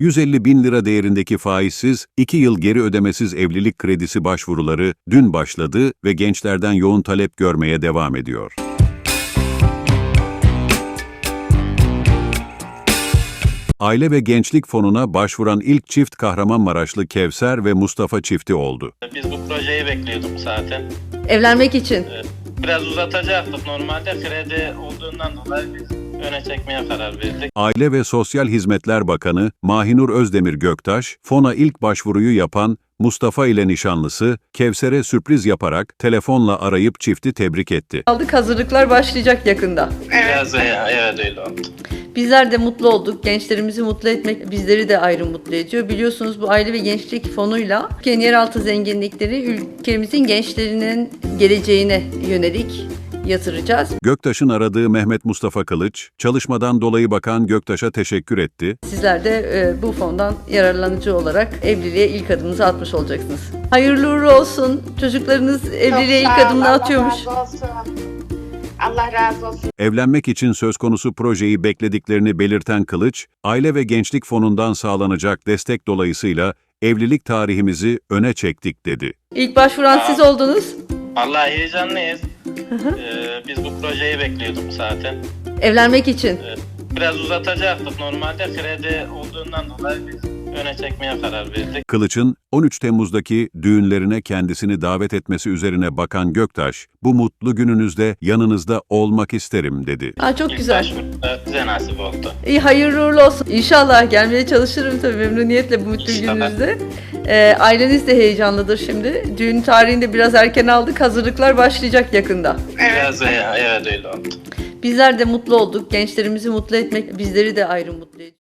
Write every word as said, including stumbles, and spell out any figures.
yüz elli bin lira değerindeki faizsiz, iki yıl geri ödemesiz evlilik kredisi başvuruları dün başladı ve gençlerden yoğun talep görmeye devam ediyor. Aile ve Gençlik Fonu'na başvuran ilk çift Kahramanmaraşlı Kevser ve Mustafa çifti oldu. Biz bu projeyi bekliyorduk zaten. Evlenmek için. Biraz uzatacaktık normalde, kredi olduğundan dolayı biz öne çekmeye karar verdik. Aile ve Sosyal Hizmetler Bakanı Mahinur Özdemir Göktaş, fona ilk başvuruyu yapan Mustafa ile nişanlısı Kevser'e sürpriz yaparak telefonla arayıp çifti tebrik etti. Aldık, hazırlıklar başlayacak yakında. Biraz evet, evet öyle oldu. Bizler de mutlu olduk. Gençlerimizi mutlu etmek bizleri de ayrı mutlu ediyor. Biliyorsunuz bu Aile ve Gençlik Fonu'yla ülkenin yeraltı zenginlikleri ülkemizin gençlerinin geleceğine yönelik yatıracağız. Göktaş'ın aradığı Mehmet Mustafa Kılıç, çalışmadan dolayı Bakan Göktaş'a teşekkür etti. Sizler de e, bu fondan yararlanıcı olarak evliliğe ilk adımınızı atmış olacaksınız. Hayırlı uğurlu olsun. Çocuklarınız evliliğe ilk adımını atıyormuş. Allah razı olsun. Allah razı olsun. Evlenmek için söz konusu projeyi beklediklerini belirten Kılıç, Aile ve Gençlik Fonu'ndan sağlanacak destek dolayısıyla evlilik tarihimizi öne çektik dedi. İlk başvuran siz oldunuz. Vallahi heyecanlıyız. Ee, biz bu projeyi bekliyorduk zaten. Evlenmek için. Biraz uzatacaktık normalde, kredi olduğundan dolayı biz öne çekmeye karar verdik. Kılıç'ın on üç Temmuz'daki düğünlerine kendisini davet etmesi üzerine Bakan Göktaş, bu mutlu gününüzde yanınızda olmak isterim dedi. Aa, çok İlk güzel. başvuruda bize nasip oldu. İyi, hayırlı uğurlu olsun. İnşallah gelmeye çalışırım tabii memnuniyetle bu mutlu İnşallah. gününüzde. Ee, aileniz de heyecanlıdır şimdi. Düğün tarihini de biraz erken aldık. Hazırlıklar başlayacak yakında. Biraz evet, evet öyle oldu. Bizler de mutlu olduk. Gençlerimizi mutlu etmek bizleri de ayrı mutlu ediyor.